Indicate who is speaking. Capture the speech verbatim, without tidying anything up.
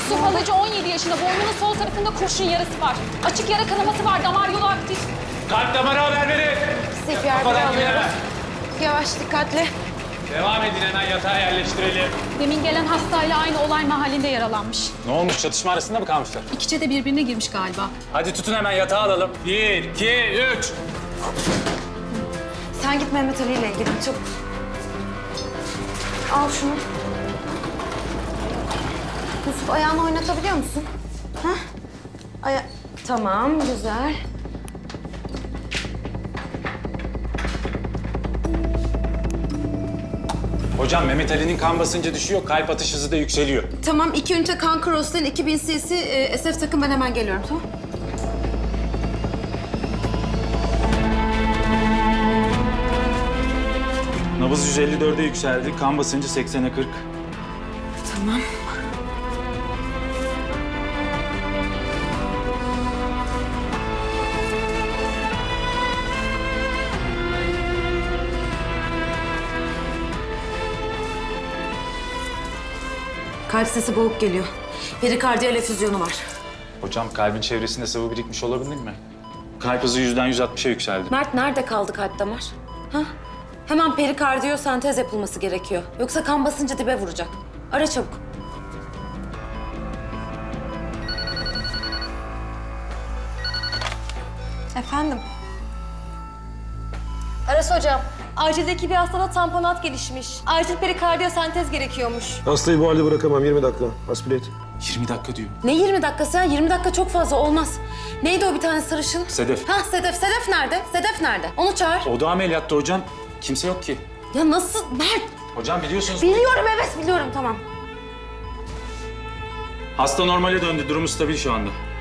Speaker 1: Yusuf Alıcı on yedi yaşında. Boynunun sol tarafında kurşun yarası var. Açık yara kanaması var. Damar yolu aktif.
Speaker 2: Kalp damarı haber verin.
Speaker 3: C P R biri
Speaker 2: Kafadan
Speaker 3: alıyoruz.
Speaker 2: hemen.
Speaker 3: Yavaş, dikkatli.
Speaker 2: Devam edin, hemen yatağa yerleştirelim.
Speaker 1: Demin gelen hastayla aynı olay mahallinde yaralanmış.
Speaker 2: Ne olmuş, çatışma arasında mı kalmışlar?
Speaker 1: İkice de birbirine girmiş galiba.
Speaker 2: Hadi tutun, hemen yatağa alalım. Bir, iki, üç.
Speaker 3: Sen git Mehmet Ali ile ilgilen, çabuk. Al şunu. Yusuf, ayağını oynatabiliyor musun? Ha? Aya... Tamam, güzel.
Speaker 2: Hocam, Mehmet Ali'nin kan basıncı düşüyor, kalp atış hızı da yükseliyor.
Speaker 3: Tamam, iki ünite kan Cross'tan iki bin cc e, S F takım, ben hemen geliyorum, tamam?
Speaker 2: Nabız yüz elli dörde yükseldi, kan basıncı seksene kırk.
Speaker 3: Tamam. Kalp sesi boğuk geliyor. Perikardiyal efüzyonu var.
Speaker 2: Hocam, kalbin çevresinde sıvı birikmiş olabilir mi? Kalp hızı yüzden yüz altmışa yükseldi.
Speaker 3: Mert, nerede kaldı kalp damar? Ha? Hemen perikardiyosentez yapılması gerekiyor. Yoksa kan basıncı dibe vuracak. Ara çabuk. Efendim?
Speaker 4: Aras hocam, acildeki bir hastada tamponat gelişmiş. Acil perikardiyosentez gerekiyormuş.
Speaker 5: Hastayı bu halde bırakamam. yirmi dakika. Aspire et.
Speaker 2: yirmi dakika diyor.
Speaker 3: Ne yirmi dakikası ya? yirmi dakika çok fazla, olmaz. Neydi o bir tane sarışın?
Speaker 2: Sedef.
Speaker 3: Ha, Sedef. Sedef nerede? Sedef nerede? Onu çağır.
Speaker 2: O da ameliyatta hocam. Kimse yok ki.
Speaker 3: Ya nasıl? Mert!
Speaker 2: Hocam biliyorsunuz...
Speaker 3: Biliyorum, evet biliyorum, tamam.
Speaker 2: Hasta normale döndü. Durumu stabil şu anda.